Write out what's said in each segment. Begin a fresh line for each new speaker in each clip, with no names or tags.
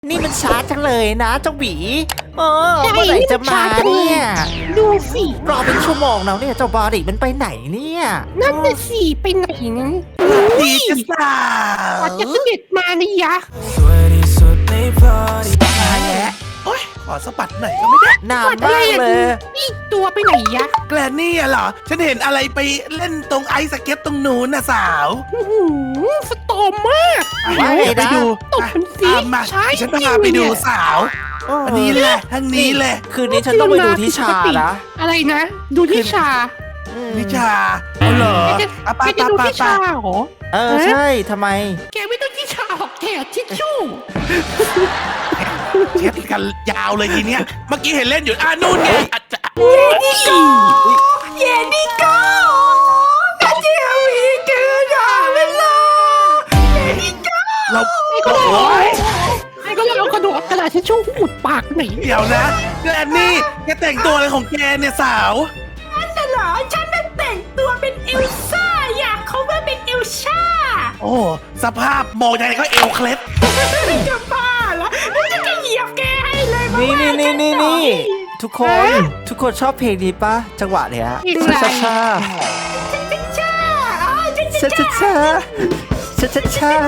นี่มันช้าจังเลยนะเจ้าหวีเออ
ใช่
เมื่อไหร่จะมา
นี่มันช้าจังเลย
เนี่ย
ดูสิ
รอเป็นชั่วโมงแล้วเนี่ยเจ้าบอดิมันไปไหนเนี่ย
นั่นน่ะสิไปไหนนั้น
ดีจะสา
อาจจะเสด็จมานี่ยะ
สวยที่สุดในพาร์ตี้ตายแล้วโอ๊ยขอสะบัดหน่อยก็ไม่ได้
นานมากเลย
นี่ตัวไปไหนยะ
แกลนี่อะเหรอ ฉันเห็นอะไรไปเล่นตรงไอซ์สเก็ตตรงนู้นน่ะสาว
อื้อหือสตอมมาก
ว่าไง
ไป
นะ
ดู
ตบมันสิ
ตามมา
ใช่
ฉันพาไปดูสาว อันนี้แหละทางนี้แหละ
คืนนี้ฉันต้องไปดูที่ชานะ
อะไรนะ ดูที่ชา
นิชาเอาเหรอ
แกจะ
อ่ะ
แก
ป้า
จะ
ป้า
ดู
ป้า
ที่ชาเหรอ
เออใช่ทำไม
แกไม่ต้องที่ชาหรอกแกทิชชู่
เช็ดกันยาวเลยทีเนี้ย เมื่อกี้เห็นเล่นอยู่นู่นไงอาจจะ
เยนิโก้กระเจียวอีกเกินอ่ะเวลาเยนิโก้
เรา
ไอ้ก็เลย
โอ๊ย
ไอ้ก็เลยเอากระดาษทิชชู่อุดปากหนี
เดี๋ยวนะแกลนี่แกแต่งตัวอะไรของแกเนี่ยสาว
นั่นเหรอฉันน่ะแต่งตัวเป็นเอลซ่าอยากเขาว่าเป็นเอลซ่า
โอ้สภาพมองยังไงก็เอวเคล็ด
จะบ้าละฉันจะเหยียบแกให้เลย
นี่ทุกคนชอบเพลงนี้ปะจังหวะเนี้ยช้าช้า
จ้าอ๋อฉัน
ช้าช้าช้าช้าช้าช้า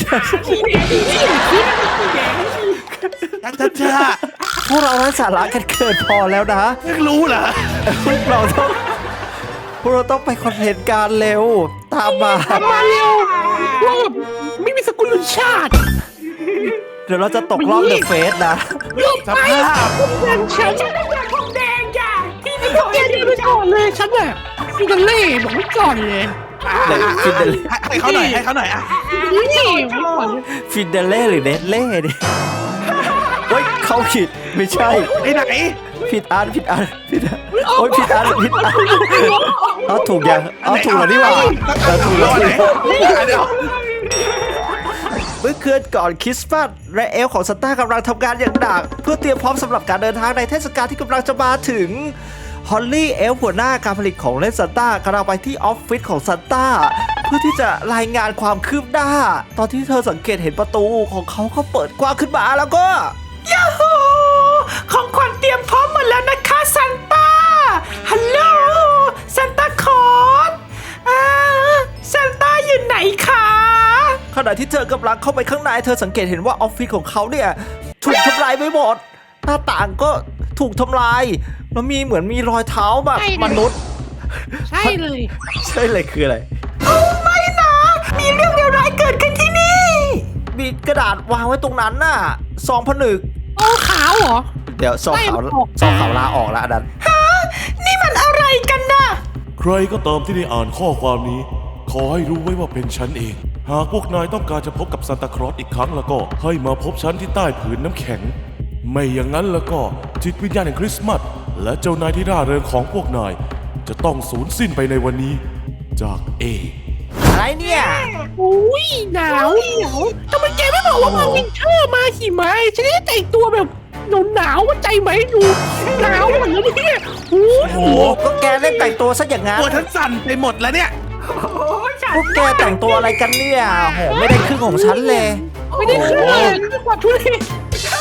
จ้า
พวกเราไร้สาระกันเกินพอแล้วนะ
เพิ่งรู้เหรอ
พวกเราต้องไปคอนเทนต์การเร็วตามมา
มาเร็วว่าแบบไม่มีสกุลชาติ
เดี๋ยวเราจะตกรอบเดอะเฟสนะ
สภาพ
แดงฉันต้องอยากผมแดงจ้ะที่ไม่ขอแกเดินไปก่อนเลยฉันน่ะฟิกาเล่บอกไว้ก่อนเลย
ให้เขาหน่อยให้เขาหน่อยอ่ะ
นี่ก่อน
ฟินเดเล่หรือเนสเล่ดิเฮ้ยเขาผิดไม่ใช่
ไปไหน
ผิดอันโอ้ยผิดอันเอาถูกยังเอาถูกแล้วนี่หว่าเอาถูกแล้ว
ไหน
นี่
เดี๋ยว
เมื่อคืนก่อนคริสต์มาสและเอลของซันต้ากำลังทำงานอย่างหนักเพื่อเตรียมพร้อมสำหรับการเดินทางในเทศกาลที่กำลังจะมาถึงฮอลลี่เอลหัวหน้าการผลิตของเล่นซันต้ากำลังไปที่ออฟฟิศของซันต้าเพื่อที่จะรายงานความคืบหน้าตอนที่เธอสังเกตเห็นประตูของเขาเปิดกว้างขึ้นมาแล้วก็ยาฮูของขวัญเตรียมพร้อมหมดแล้วนะคะซันต้าฮัลโหลซันต้าคอร์สซันต้าอยู่ไหนคะขณะที่เธอกำลังเข้าไปข้างในเธอสังเกตเห็นว่าออฟฟิศของเขาเนี่ยถูกทำลายไปหมดหน้าต่างก็ถูกทำลายแล้วเหมือนมีรอยเท้าแบบมนุษย์
ใช่เลย
ใช่เลยคืออะไรโอ้ไม่นะ มีเรื่องเลวร้ายเกิดขึ้นที่นี่ มีกระดาษวางไว้ตรงนั้นน่ะซองผนึก
โอ้ขาวเหรอ
เดี๋ยวซองขาว
ไม่ออก
ซองขาวลาออกแล้วอันนั้นนี่มันอะไรกันนะ
ใครก็ตามที่ได้อ่านข้อความนี้ ขอให้รู้ไว้ว่าเป็นฉันเอง หากพวกนายต้องการจะพบกับซานตาคลอสอีกครั้งแล้วก็ให้มาพบฉันที่ใต้ผืนน้ำแข็ง ไม่อย่างนั้นแล้วก็จิตวิญญาณแห่งคริสต์มาสและเจ้านายที่ร่าเริงของพวกนาย จะต้องสูญสิ้นไปในวันนี้ จากเอ
อะไรเนี่ย
อุ้ยหนาวทำไมแกไม่บอกว่ามาวินเทอร์มาหิมะฉันจะได้แต่งตัวแบบหนาวเข้าใจไหมดูหนาวหมดแล้วเนี่ยโอ้โห
โอ้ก็แกเล่นแต่งตัวซะอย่างงั้น
ตัวฉันสั่นไปหมดแล้วเนี่ย
พวกแกแต่งตัวอะไรกันเนี่ยโหไม่ได้ครึ่งของฉันเลย
ไม่ได้ขึ้นเลยไม่กว่าทุเรศ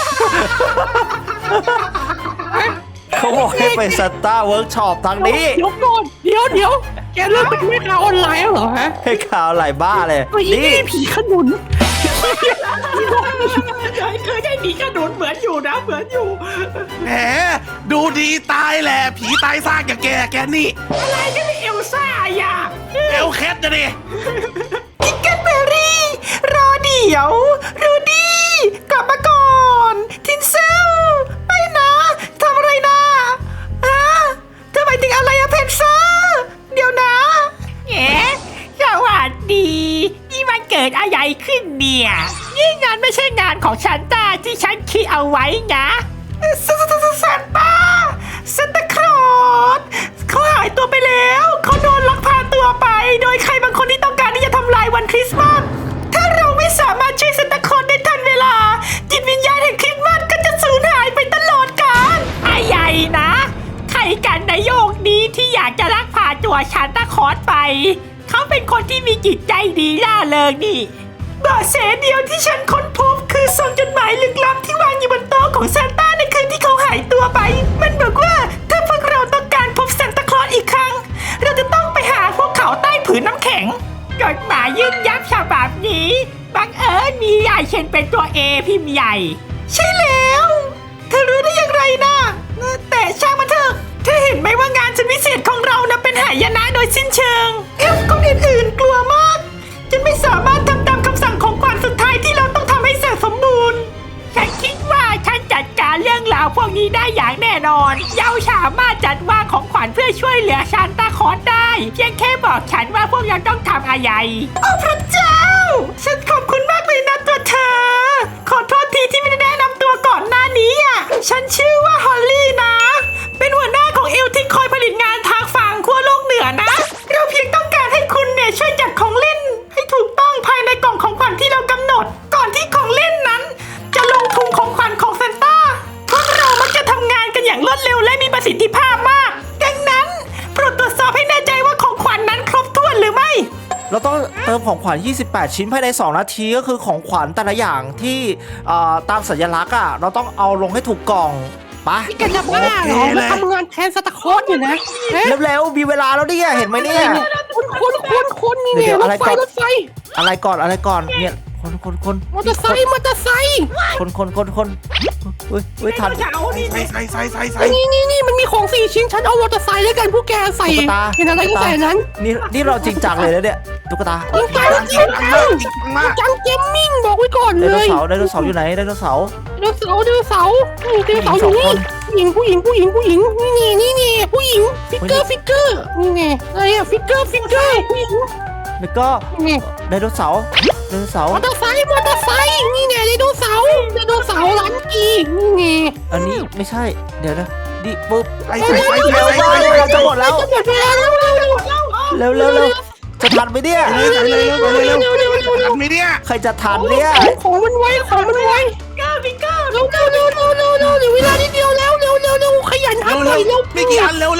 เขาบอกให้ไปสตาร์เวิร์กช็อปทางนี้
เดี๋ยวก่อนเดี๋ยวแกเริ่มเป็นแม่ค้าออนไลน์แล้วเหรอฮะ
ให้ข่าวหลายบ้าเลย
ไอ้
นี่
นี่ผีขนุน
เคยได้หนีกระโดดเหมือนอยู่นะเหมือนอยู่
แหมดูดีตายแหละผีตายซากอย่างแกนี่
อะไรจะไม่เอลซ่าอย่า
เอวเคล็ดนะดิ
กิกเกนเบอรี่ รอเดี๋ยวรูดี้กลับมาก่อน ทินเซลไม่นะทำอะไรนะเธอหมายถึงอะไรอะเพนเซอร์เดี๋ยวนะ
แหมสวัสดี นี่มันเกิดอะไรขึ้นเนี่ย นี่งานไม่ใช่งานของฉันตาที่ฉันคิดเอาไว้นะ
ซานต้าซันตาคลอสเขาหายตัวไปแล้ว เขาโดนลักพาตัวไป โดยใครบางคนที่ต้องการที่จะทำลายวันคริสต์มาส ถ้าเราไม่สามารถช่วยซันตาคลอสได้ทันเวลา จิตวิญญาณแห่งคริสต์มาสก็จะสูญหายไปตลอดกาล
อะไรนะ ใครกันในโยกนี้ที่อยากจะลักพาตัวฉันตะคอสไป เขาเป็นคนที่มีจิตใจดีล่าเริงนี่เบาะแสเดียวที่ฉันค้นพบคือซองจดหมายลึกลับที่วางอยู่บนโต๊ะของซานต้าในคืนที่เขาหายตัวไป มันบอกว่าถ้าพวกเราต้องการพบซานตาคลอสอีกครั้ง เราจะต้องไปหาพวกเขาใต้ผืนน้ำแข็งจดหมายยืนยันฉบับนี้บังเอิญมีใหญ่เช่นเป็นตัว A พิมพ์ใหญ่ ใช่แล้วเธอรู้ได้อย่างไรนะแต่ช่างมันเถอะเธอเห็นไหมว่างานชนพิเศษของเรานะเป็นหายนะโดยสิ้นเชิงเอลฟ์คนอื่นๆกลัวมากจนไม่สามารถทำตามคำสั่งของขวัญสุดท้ายที่เราต้องทำให้เสร็จสมบูรณ์ฉันคิดว่าฉันจัดการเรื่องราวพวกนี้ได้อย่างแน่นอนเยาสามารถจัดวางของขวัญเพื่อช่วยเหลือซานตาคลอสได้เพียงแค่บอกฉันว่าพวกเราต้องทำอะไรโอ้พระเจ้าฉันขอบคุณมากเลยนะตัวเธอขอโทษทีที่ไม่ได้แนะนำตัวก่อนหน้านี้อ่ะฉันชื่อว่าฮอลลี่นะเป็นหัวหน้าของเอลที่คอยผลิตงานทางฝั่งขั้วโลกเหนือนะเราเพียงต้องการให้คุณเนี่ยช่วยจัดของเล่นให้ถูกต้องภายในกล่องของขวัญที่เรากำหนดก่อนที่ของเล่นนั้นจะลงทุนของขวัญของซานต้าพวกเรามักจะทำงานกันอย่างรวดเร็วและมีประสิทธิภาพมากดังนั้นโปรดตรวจสอบให้แน่ใจว่าของขวัญนั้นครบถ้วนหรือไม่
เราต้องเติมของขวัญ 28 ชิ้นภายใน 2 นาทีก็คือของขวัญแต่ละอย่างที่ตามสัญลักษณ์อ่ะเราต้องเอาลงให้ถูกกล่องไป
นี่แกจะบ้าเหรอมาทำงานแทนซานตาคลอสอยู่นะเอ๊ะ
เร็วๆมีเวลาแล้วเนี่ยเห็นไหมเนี่ย
คนนี่เนี่ยรถไฟ
อะไรก่อนเนี่ยคน
มอเตอร์ไซค์
คนอุ้ยทัน
ใส่
นี่มันมีของ4 ชิ้นฉันเอามอเตอร์ไซค์ด้วยกันพวกแกใส่
ตุ๊กตา
เห็นอะไรก็ใส่นั้น
นี่เราจริงจังเลยนะเนี่ยตุ๊กตา
จังเกมมิ่งบอกไว้ก่อน
ได
เล
โน
ย
เสาร์อยู่ไหนไดโนเสาร์
ไดโนเสาร์อยู่นี่ผู้หญิงนี่ผู้หญิงผู้หญิงฟิกเกอร์นี่ไงอะไรอะฟิกเกอร์ผู้หญิง
แล้วก็
นี่
ไดโนเสาร์
มอเตอร์ไซค์นี่ไงไดโนเสาร์ร้านกีนี่ไง
อันนี้ไม่ใช่เดี๋ยวนะดิปุ๊บ
ใส่
เราจะหมดแล้ว
จะหมดเวลาแล้ว
เร็วจะทันไหมเนี่ย
ทำไม่เนี่ย
ใครจะทันเนี่ย
ของมันไวเร็วเวลานิดเดียวแล้วเร็วขยันทำหน่อยเร็ว
ไม่กี่อันเร็ว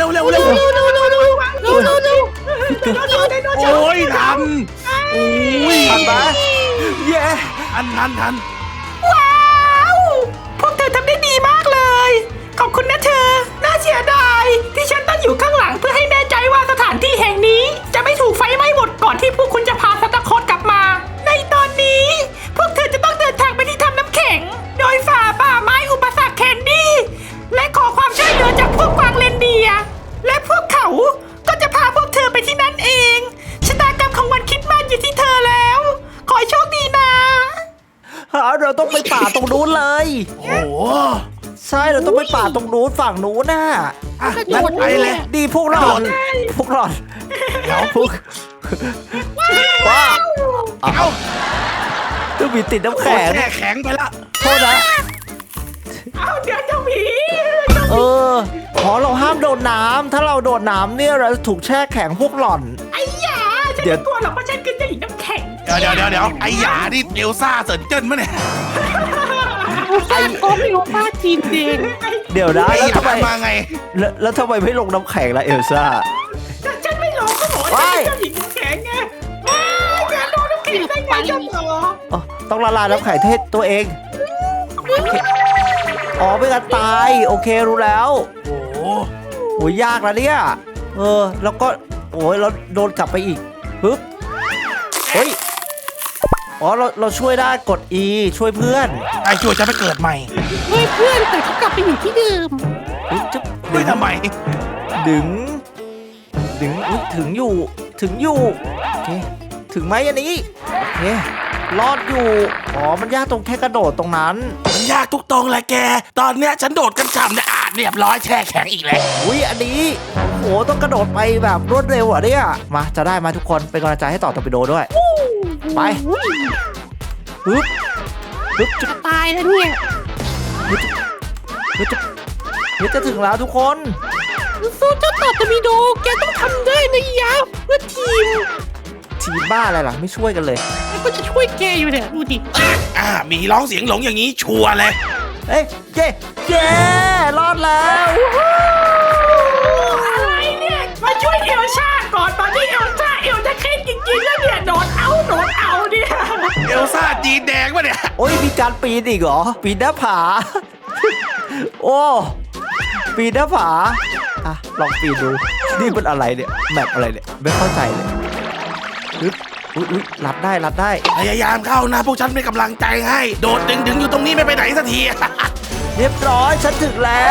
โอ้ยทันโอ้ย
ทันปะเย้
ทัน
ว้าว พวกเธอทำได้ดีมากเลย ขอบคุณนะเธอ น่าเสียดายที่ฉันต้องอยู่ข้างหลังเพื่อให้แน่ใจว่าสถานที่แห่งนี้ จะไม่ถูกไฟไหม้หมดก่อนที่พวกคุณจะพาซานตาคลอสกลับมา ในตอนนี้ พวกเธอจะต้องเดินทางไปที่ถ้ำน้ำแข็ง โดยฝ่าป่าไม้อุปสรรคแคนดี้ และขอความช่วยเหลือจากพวกกวางเรนเดียร์และพวกเขาก็จะพาพวกเธอไปที่นั่นเองชะตากรรมของวันคริสต์มาสอยู่ที่เธอแล้ว ขอให้โชคดีนะ
เราต้องไปป่าตรงนู้นเลย
โอ้โห
ใช่เราต้องไปป่าตรงนู้นฝั่งนู้นน่ะ
งั้นไปเลย
ดีพวกเราเดี๋ยวพวกว้าเอาต้องมีติดน้ำแข็ง
แช่แข็งไปละ
โทษนะ
เอาเดี๋ยวเจ้าหมี
ขอเราห้ามโดนน้ำถ้าเราโดนน้ำเนี่ยเราจะถูกแช่แข็งพวกหล่อน
ไอ้หยาฉัน
เดี๋ยว
ไม่กลัวหรอกเพราะฉันคือเจ้าหญิงน้ำแข็ง
เดี๋ยวไอ้หยานี่เอลซ่าเสิร์นเจิ้นมั้ยเนี่ย
ก็ไม่รู้ป้าจีนเดน
เดี๋ยวนะ
ไอ้
แล้ว
หยา
ทำไม
มาไง
แล้วทำไมไม่ลงน้ำแข็งล่ะเอลซ่า
ฉันไม่รู้ก็บอกว่าฉันเป็นเจ้าหญิงน้ำแข็งไงว้ายอย่าโดนน้ำแข็งได้ไงเจ้าหมอ
ต้องละลายน้ำแข็งเทศตัวเองโอเคไม่งั้นตายโอเครู้แล้ว
โอ้โห
โหยากนะเนี่ยแล้วก็โอ้ยเราโดนกลับไปอีกปึ๊บเฮ้ยเราช่วยได้กด E ช่วยเพื่อน
ไอ้ช่วยจะไปเกิดใหม่
เพื่อนแต่เขากลับไปอยู่ที่เดิม
ปึ๊บจึ๊บ
ไม่ทำไม
ดึงอุ๊ยถึงอยู่โอเคถึงไหมอันนี้โอเครอดอยู่มันยากตรงแค่กระโดดตรงนั้น
มันยากทุกตรงแหละแก ตอนเนี้ยฉันโดดกันฉ่ำเนี่ยเรียบร้อยแช่แข็งอีกแล้ว
อุ้ยอันนี้โหต้องกระโดดไปแบบรวดเร็วอ่ะเนี่ยมาจะได้มาทุกคนเป็นกำลังใจให้ต่อตอร์ปิโดด้วยไปปึ๊บจะ
ตายแล้วเนี่ย
จะถึงแล้วทุกคน
สู้เจ้าต่อตะมีโดแกต้องทำได้นะยะเพื่อทีม
บ้าอะไรล่ะไม่ช่วยกันเลย
แล้วก็จะช่วยแกอยู่เนี่ยดูดิ
มีร้องเสียงหลงอย่างนี้ชัวร์เลย
เอ้ยเย้รอดแล้ว
อะไรเนี่ย มาช่วยเอลซ่าก่อนตอนที่เอลซ่าเอวจะเข้จริงๆแล้วเนี่ยโดนเอาเนี่ย
เอลซ่าจีนแดงวะเนี่ย
โอ้ยมีการปีนอีกเหรอ ปีนหน้าผา โอ้ปีนหน้าผาอ่ะลองปีนดูนี่มันอะไรเนี่ยแมปอะไรเนี่ยไม่เข้าใจเลยอุ๊ยอุ๊ยรับได้
พยายามเข้านะพวกฉันเป็นกำลังใจให้ โดดดึงอยู่ตรงนี้ไม่ไปไหนสักที
เรียบร้อยฉันถึงแล้ว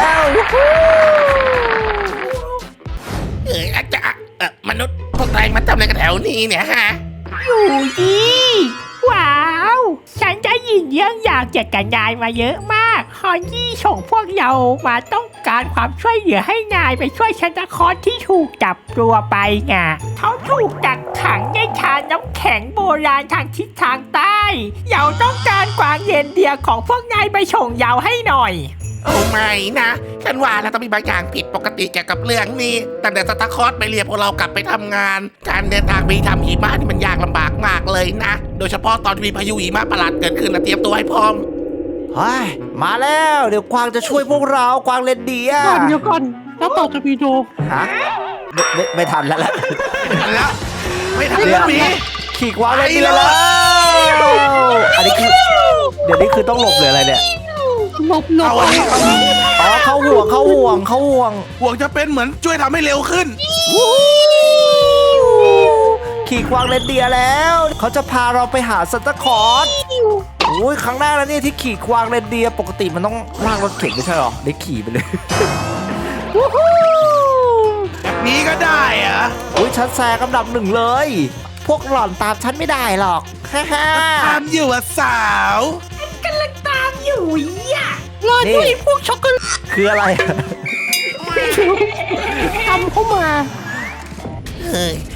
อาจจะมนุษย์พวกนายมาทำอะไรกันแถวนี้เนี่ยฮะ
อยู่ดีว้าวฉันจะยินเรื่องอยากจากกับนายมาเยอะมากฮอนยี่ส่งพวกเรามาต้องการความช่วยเหลือให้นายไปช่วยซันตาคลอสที่ถูกจับตัวไปไงเขาถูกกักขังในชานน้ำแข็งโบราณทางทิศทางใต้เราต้องการกวางเย็นเดียของพวกนายไปส่งเราให้หน่อย
โอ้ไม่นะฉันว่าแล้วต้องมีบางอย่างผิดปกติเกี่ยวกับเรื่องนี้ตั้งแต่สตาร์คอร์สไปเรียกพวกเรากลับไปทำงาน การเดินทางไปทำหิมะนี่มันยากลำบากมากเลยนะ โดยเฉพาะตอนมีพายุหิมะประหลาดเกิดขึ้นนะเตรียมตัวให้พร้อม
เฮ้ยมาแล้วเดี๋ยวกวางจะช่วยพวกเรากวางเลนเดีย
เดี๋ยวก่อนแล้วต่อจะมีโด
ฮะไม่ทันแล้วล่ะ
แล้วไม่ทัน
เดี๋
แล้
ยว ว
หมี
ขี่กวางเลนเดียแล้วอันนี้คือเดี๋ยวนี้คือต้องหลบหรืออะไรเนี่ย
หลบ
เอาอันนี้เอาอันนี้
อ๋อเข้าห่วง
ห่วงจะเป็นเหมือนช่วยทำให้เร็วขึ้น
ขี่กวางเลนเดียร์แล้วเขาจะพาเราไปหาซันตาคลอสโอ้ยครั้งแรกแล้วเนี่ยที่ขี่กวางเลนเดียร์ปกติมันต้องลากรถเข็นไม่ใช่หรอได้ขี่ไปเลย
แบบนี้ก็ได้เหรอะ
อุ้ยฉันแซงอันดับหนึ่งเลย พวกหล่อนตามฉันไม่ได้หรอกฮ่าฮ่า
ตามอยู่อะสาว
กำลังตามอยู่อ่ะ
รอด้วยพวกช็อกโกแลต
คืออะไร
ทำเข้ามา
เฮ้ย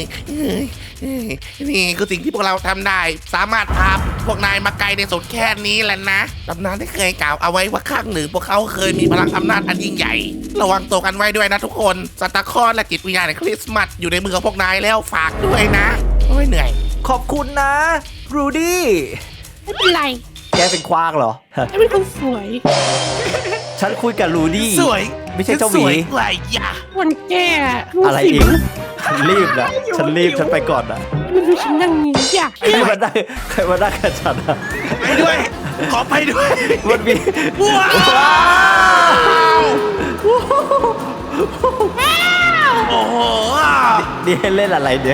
นี่คือสิ่งที่พวกเราทำได้ สามารถพาพวกนายมาไกลในสุดแค่นี้แหละนะตำนานได้เคยกล่าวเอาไว้ว่าข้างหนึ่งพวกเขาเคยมีพลังอำนาจอันยิ่งใหญ่ ระวังตัวกันไว้ด้วยนะทุกคนซานตาคลอสและจิตวิญญาณแห่งคริสต์มาสอยู่ในมือของพวกนายแล้วฝากด้วยนะโอ้ยเหนื่อย
ขอบคุณนะรูดี้
ไม่เป็นไร
แกเป็นควางเหรอ
ฉันเป็นคนสวย
ฉันคุยกับรูดี้
สวย
ไม่ใช่เจ้าห
ส
มี
วยกว่าอย่า
วันแก่รู้
อะไร
สิ
อีกฉันรีบนะฉันรีบฉันไปก่อนนะ
มันดูฉันนั่งนี้อยาก
ใครมาได้กับฉันอะ
ไปด้วย ขอไปด้วย
มันมี
ว้าว โอ้โห
นี่ให้เล่นอะไรเนี่ย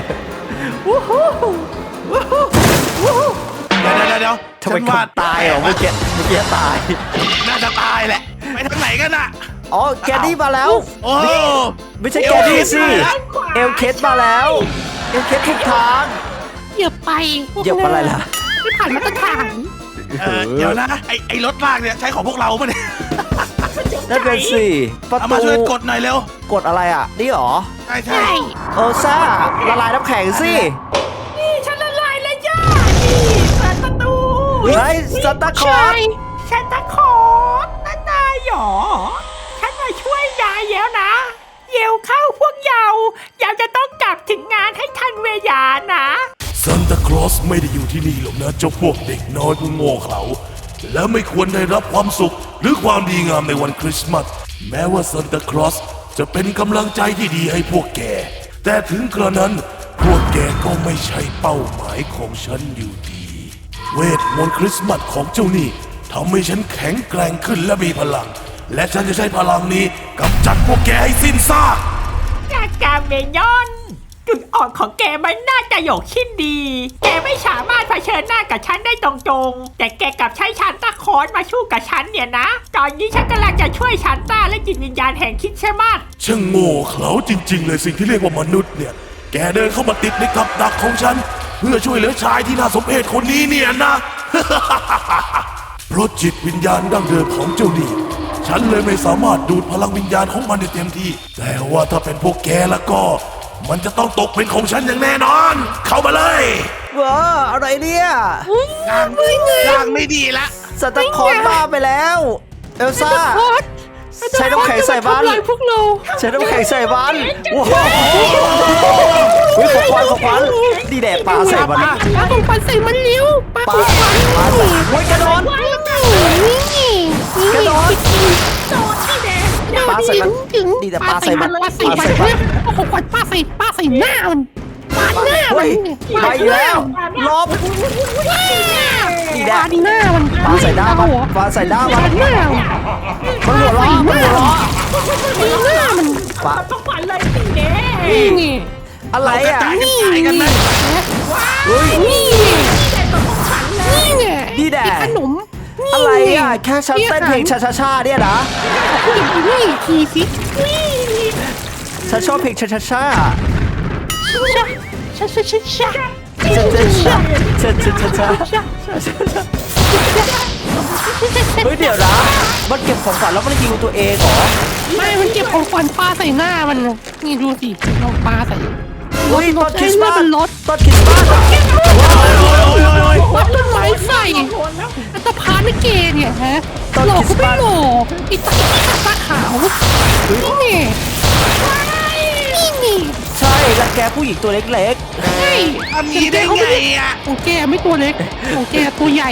เดี๋ยว
ทำไม
ฉัน
คน
ว่า
ตายเหรอเมื่อกี้ตาย
น่าจะตายแหละ ไปทางไหนกันอะ
อ๋อแกดี้มาแล้ว
โอ้
ไม่ใช่แกดี้สิเอลเคสมาแล้วเอลเคสถูกทาง
อย่าไปพวก
เหยียบอะไรล่ะ
ไม่ผ่านมาตรฐาน
เดี๋ยวนะไอ้รถลากเนี่ยใช้ของพวกเราปะเนี่ย
นั่นเป็นสิประ
เอามา
ตู
ช่วยกดหน่อยเร็ว
กดอะไรอ่ะ นี่เหรอ
ใช่
ใช่
เออซ่าละลายน้ำแข็งสิ
นี่ฉันละลายแล้วย่านี่เปิดประตู
ไอ้ซันตาคลอ
ใช่
ส
ฉันตะขอนั่นนายหรอฉันมาช่วยนายแล้วนะเยวเข้าพวกเราจะต้องกลับถึงงานให้ทันเวลานะ
ซันตาคลอสไม่ได้อยู่ที่นี่หรอกนะเจ้าพวกเด็กน้อยผู้โง่เขลาและไม่ควรได้รับความสุขหรือความดีงามในวันคริสต์มาสแม้ว่าซันตาคลอสจะเป็นกำลังใจที่ดีให้พวกแกแต่ถึงกระนั้นพวกแกก็ไม่ใช่เป้าหมายของฉันอยู่ดี เวทมนต์คริสต์มาสของเจ้านี่ทำให้ฉันแข็งแกร่งขึ้นและมีพลัง และฉันจะใช้พลังนี้กำจัดพวกแกให้สิ้นซาก
จากกาเมยอน จุดอ่อนของแกมันน่าจะหยกชิ้นดี แกไม่สามารถเผชิญหน้ากับฉันได้ตรงๆ แต่แกกลับใช้ชันต้าคอนมาสู้กับฉันเนี่ยนะ ตอนนี้ฉันกำลังจะช่วยชันต้าและจิตวิญญาณแห่งคริดใช่ไหม
ช่างโง่เขลาจริงๆเลยสิ่งที่เรียกว่ามนุษย์เนี่ย แกเดินเข้ามาติดในกับดักของฉัน เพื่อช่วยเหลือชายที่น่าสมเพชคนนี้เนี่ยนะ เพราะจิตวิญญาณดั้งเดิมของเจ้านี่ฉันเลยไม่สามารถดูดพลังวิญญาณของมันได้เต็มที่ แต่ว่าถ้าเป็นพวกแกแล้วก็ มันจะต้องตกเป็นของฉันอย่างแน่นอน เข้ามาเลย
ว้าอะไรเนี่ย
ร่างไม่ดีละ
ซันตาคลอสบ้าไปแล้ว เอลซ่า ใช้น้ำแข็งใส่บ้าน
ทำลายพวกเรา
ใช้น้ำแข็งใส่บ้านว้าวเฮ้ยขอควันดีแดดปลาใส่มัน
ปลาของปันใส่มันเลี้ยวปลา
ปลา
ของปัน
ปลาใส่เฮ้ยกระโดด กระโดด ปลาใส่มัน
ถึง
นี่แต่ปลาใส่มัน
ปลาใส่มัน
ปลาใส่มัน
เอาของขวัญปลาใส่หน้ามันปาดหน้ามั
เฮ้
น
ยไปอีกแล้วลบนี่แหละ
ปาดหน้ามัน
ปาใส่หน้ามันปาใส่หน้ามัน
ปาดหน้า
มันหัวเราะมันหัวเราะ
ตีหน้ามัน
ปา
ต้องฝันเลยสิเน่
นี่ไง
อะไร
กระ
อ่ะ
จายกันขายกันไหม
เฮ้ย
นี่ไงนี่ไง
นี่แหละ
ขนมนี่
อะไรอ่ะแค่ฉันเต้นเพลงชาๆเนี่ยนะ
นี่ทีสิ
ฉันชอบเพลงชา
ชะชะชะชะชะชะ
เฮ้ยเดี๋ยวนะมันเก็บของขวัญแล้วมันยิงตัวเองเหรอ
ไม่มันเก็บของขวัญปลาใส่หน้ามันนี่ดูสิลองปลาใส่
เฮ้ยต้นคริสต์มาส
มันรถ
ต้นคริสต์มาส
วัดต้นไม้ใส่อัตภาณเกย์เนี่ยฮะหลอกก็ไม่หลอกไอ้ตาขาวนี่ไงนี่ไง
ใช่รังแกผู้หญิงตัวเล็ก
ใช่
ทำนี้ได้ไงอ่ะ
ของแกไม่ตัวเล็กของแกตัวใหญ่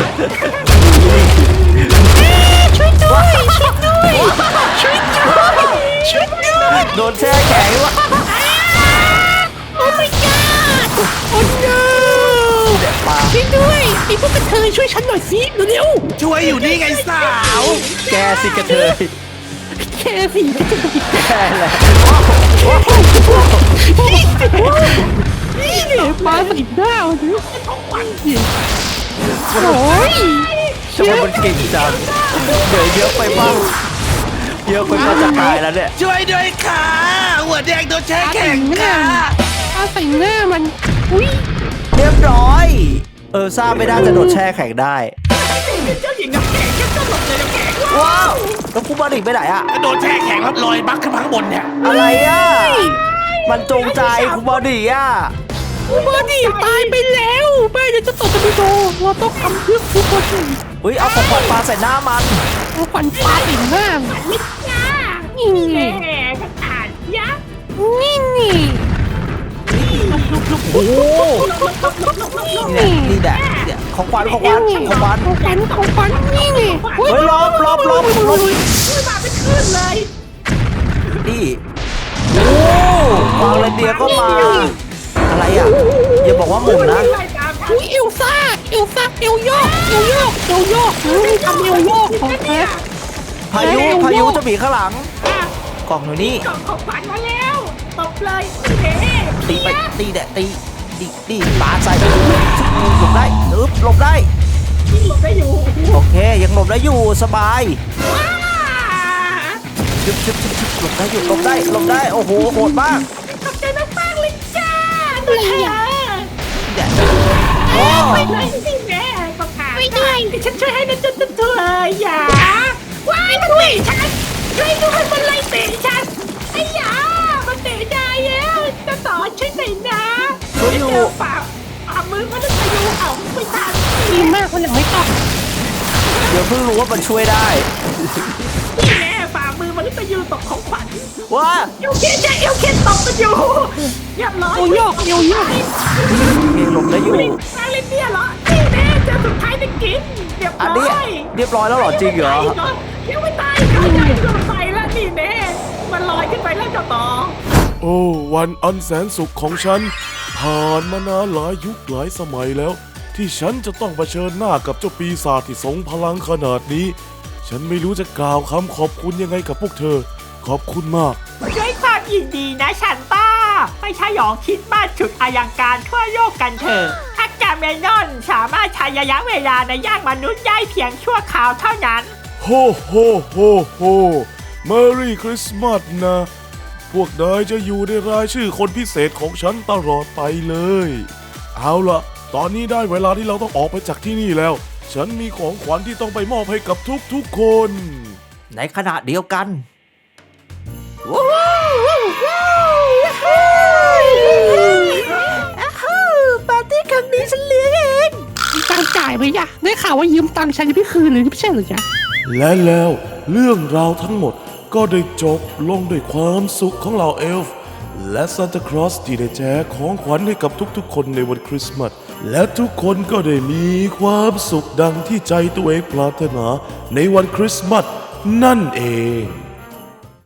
ช่วยด้วยช่วยด้วยช่วยด้วยช่วยด้วย
ๆ โดนแช่แข็งวะ
โอ้ my god โอ้ no
ปลา
ช่วยด้วยไอ้พวกกระเทยช่วยฉันหน่อยสิเร็ว
ช่วยอยู่นี่ไงสาว
แกสิกระเทย
ๆแค่สิกระเทย
แกแหละ
นี่เนี่ยปลาใส่หน้ามันดิโอ้ย
ทำไมมันเก่งจังเดี๋ยวเยอะไปบ้างเยอะไปบ้างจะตายแล้วเนี่ย
ช่วยด้วยค่ะหัวแดงโดนแช่แข็งค่ะ
ปลาใส่หน้ามันอุ้ย
เรียบร้อยซ่าไม่ได้จะโดนแช่แข็งได้
เจ้าหญิงน้ำแข็งแค่ตลกเลยน้ำแข็ง
ว้าวแล้วคูบาดิไปไหนอะ
โดนแช่แข็งแล้วลอยบักขึ้นมาข้างบนเนี่ย
อะไรอะมันจงใจคูบาดิอะ
บอดี้ตายไปแล้วแม่จะตกกันไปโดเราต้องทำเพื่อคุณบอดี้
เฮ้ยเอาของขวัญปลาใส่หน้ามัน
เอาขวัญปลาใส่หน้านี่ไง
แหมกระถางยักษ์
นี่ไง
โอ้โหนี่แหละเนี่ยของขวัญของขวัญของขวัญ
ของขวัญนี่ไง
เฮ้ยลบ
มาเป็นคลื่นเลย
นี่โอ้วางเรนเดียร์ก็มา อะไรอ่ะอย่าบอกว่าหมุนนะ
ไล่ตามฉัน
อุ้ยเอลซ่าเอลโยกทำเอลโยกของแท้
พายุจะบีข้างหลัง กล่องอยู่นี่
กล่องของขวัญมาแล้วตบเลยเฮ้
ตีไปตีแดดตีปาใส่หลบได้หลบได้
ที่หลบได้อยู่
โอเคยังหลบได้อยู่สบาย
ว้า
ชึบหลบได้อยู่หลบได้โอ้โหโหดมาก
ขอบใจมากๆเลยจ้าตัวเธอ
แดดโอ้
ไปเลยสิแม่ก็ขาดไม่ได้ฉันช่วยให้นะจ๊ะเธออย่าว้ายมันเตะฉันช่วยด้วยมันไล่เตะฉันไอ้ยามันเตะได้แล้วจะต่อช่วยหน่อยนะ
ช่วยอยู่
เจอฝ่ามือมันจะอยู่เอาไม่ทัน
ดีมากคนหลังไม่ต้อง
เดี๋ยวเพิ่งรู้ว่ามันช่วยได้
นี่แม่ฝ่ามือมันจะอยู่ตกของขวัญ
ว้า
เอวเคสจะเอวเคสตกกันอยู่เรียบร้อย
เอลโยก
หลบได้อยู่
มาเลยเนี่ยเหรอนี่แม่เจอสุดท้ายได้กินเรียบ
อัน
ร้
นี้
อย
เรียบร้อยแล้วเหรอจริงเหรอ
ยังไม่ตายเขาใหญ่เกินไปแล้วนี่แน่มันลอยขึ้นไปแล้วเจ้าต่อ
โอ้วันอันแสนสุขของฉัน ผ่านมานานหลายยุคหลายสมัยแล้ว ที่ฉันจะต้องเผชิญหน้ากับเจ้าปีศาจที่ทรงพลังขนาดนี้ ฉันไม่รู้จะกล่าวคำขอบคุณยังไงกับพวกเธอ ขอบคุณมาก
ด้วยความยินดีนะฉันต้าไม่ใช่หยองคิดบ้านฉุดอายังการทั่วโลกกันเถอะอากาเมนอนสามารถใช้ระยะเวลาในย่างมนุษย์ได้เพียงชั่วคราวเท่านั้น
โฮโฮโฮโฮเมอรี่คริสต์มาสนะ พวกนายจะอยู่ในรายชื่อคนพิเศษของฉันตลอดไปเลย เอาล่ะ ตอนนี้ได้เวลาที่เราต้องออกไปจากที่นี่แล้ว ฉันมีของขวัญที่ต้องไปมอบให้กับทุกๆคน
ในขณะเดียวกัน ปาร์ตี้ครั้งนี้ฉันเลี้ยงเอง
มีตังจ่ายไหมยะได้ข่าวว่ายืมตังค์ฉันจะไม่คืนเลยไม่ใช่เหรอจ๊ะ
และแล้วเรื่องราวทั้งหมดก็ได้จบลงด้วยความสุขของเหล่าเอลฟ์และซานตาคลอสที่ได้แจกของขวัญให้กับทุกๆคนในวันคริสต์มาสและทุกคนก็ได้มีความสุขดังที่ใจตัวเองปรารถนาในวันคริสต์มาสนั่นเอง